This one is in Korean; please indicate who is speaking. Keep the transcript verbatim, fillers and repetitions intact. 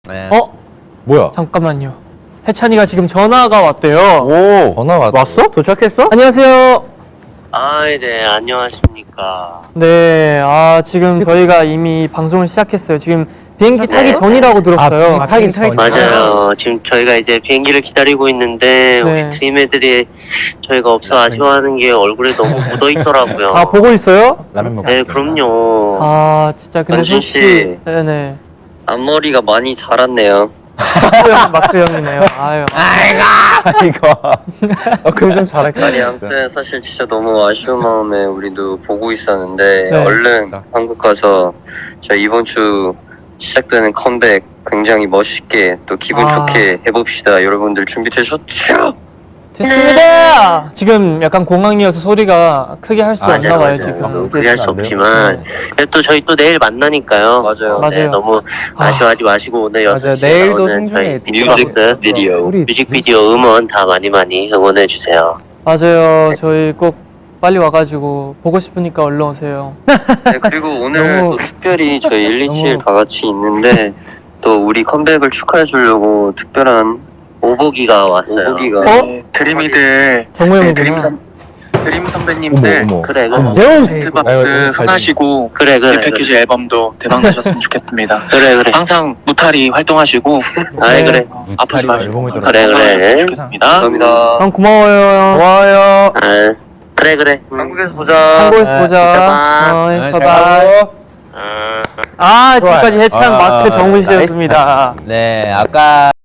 Speaker 1: 네.
Speaker 2: 어?
Speaker 3: 뭐야?
Speaker 2: 잠깐만요. 해찬이가 지금 전화가 왔대요.
Speaker 3: 오, 전화 왔어? 도착했어?
Speaker 2: 안녕하세요.
Speaker 4: 아, 네, 안녕하십니까.
Speaker 2: 네, 아 지금 저희가 이미 방송을 시작했어요. 지금 비행기 타기 전이라고 들었어요.
Speaker 3: 아, 타기 타기
Speaker 4: 맞아요. 지금 저희가 이제 비행기를 기다리고 있는데,
Speaker 2: 네.
Speaker 4: 우리 트임 애들이 저희가 없어 아쉬워하는 게 얼굴에 너무 묻어 있더라고요.
Speaker 2: 아 보고 있어요?
Speaker 3: 라면 먹고.
Speaker 4: 네, 그럼요.
Speaker 2: 아 진짜 근데
Speaker 4: 원준 씨.
Speaker 2: 솔직히 네네
Speaker 4: 앞머리가 많이 자랐네요.
Speaker 2: 마크 형 마크 형이네요. 아유.
Speaker 3: 이거. 어, 그럼 좀 잘할까?
Speaker 4: 아니, 아무튼 사실 진짜 너무 아쉬운 마음에 우리도 보고 있었는데,
Speaker 2: 네.
Speaker 4: 얼른 한국 가서 저희 이번 주 시작되는 컴백 굉장히 멋있게 또 기분
Speaker 2: 아.
Speaker 4: 좋게 해봅시다. 여러분들 준비되셨죠?
Speaker 2: 됐습니다. 지금 약간 공항이어서 소리가 크게 할 수도 없나 봐요 지금.
Speaker 4: 너무 크게 할 수
Speaker 3: 안 돼요?
Speaker 4: 없지만 그래도 또 저희 또 내일 만나니까요. 맞아요. 네,
Speaker 2: 맞아요.
Speaker 4: 너무
Speaker 2: 아.
Speaker 4: 아쉬워하지 마시고 오늘 여섯 시에
Speaker 3: 내일도
Speaker 4: 나오는 저희
Speaker 3: 생중에
Speaker 4: 뮤직 비디오
Speaker 3: 우리
Speaker 4: 뮤직비디오 음원 다 많이 많이 응원해 주세요.
Speaker 2: 맞아요. 저희 꼭 빨리 와가지고 보고 싶으니까 얼른 오세요.
Speaker 4: 네, 그리고 오늘
Speaker 3: 너무-
Speaker 4: 또 특별히 저희 일이칠
Speaker 3: 너무-
Speaker 4: 다 같이 있는데 또 우리 컴백을 축하해 주려고 특별한 오보기가 왔어요. 오보기가
Speaker 2: 어?
Speaker 5: 드림이들
Speaker 2: 정우
Speaker 5: 네,
Speaker 2: 형이구나.
Speaker 5: 드림, 선, 드림 선배님들
Speaker 3: 어머, 어머.
Speaker 4: 그래 그래
Speaker 3: 제우
Speaker 5: 스트박스 흥하시고
Speaker 4: 그래 그래
Speaker 5: 이 패키지 앨범도 대박 나셨으면 좋겠습니다.
Speaker 4: 그래 그래
Speaker 5: 항상 무탈이 활동하시고
Speaker 4: 아이
Speaker 2: 네.
Speaker 4: 그래
Speaker 5: 아프지 마시고
Speaker 3: 앨범을
Speaker 4: 그래, 그래.
Speaker 5: 건강하셨으면 좋겠습니다.
Speaker 4: 감사합니다.
Speaker 2: 형 고마워요. 형.
Speaker 3: 고마워요.
Speaker 4: 아, 그래 그래 한국에서 보자.
Speaker 2: 한국에서
Speaker 3: 네,
Speaker 2: 보자.
Speaker 4: 이따 봐.
Speaker 2: 어이,
Speaker 3: 네,
Speaker 2: 바이바이.
Speaker 3: 잘 가요.
Speaker 4: 아.
Speaker 2: 아 지금까지 해찬
Speaker 3: 아,
Speaker 2: 마크 정훈 씨였습니다.
Speaker 1: 네, 아까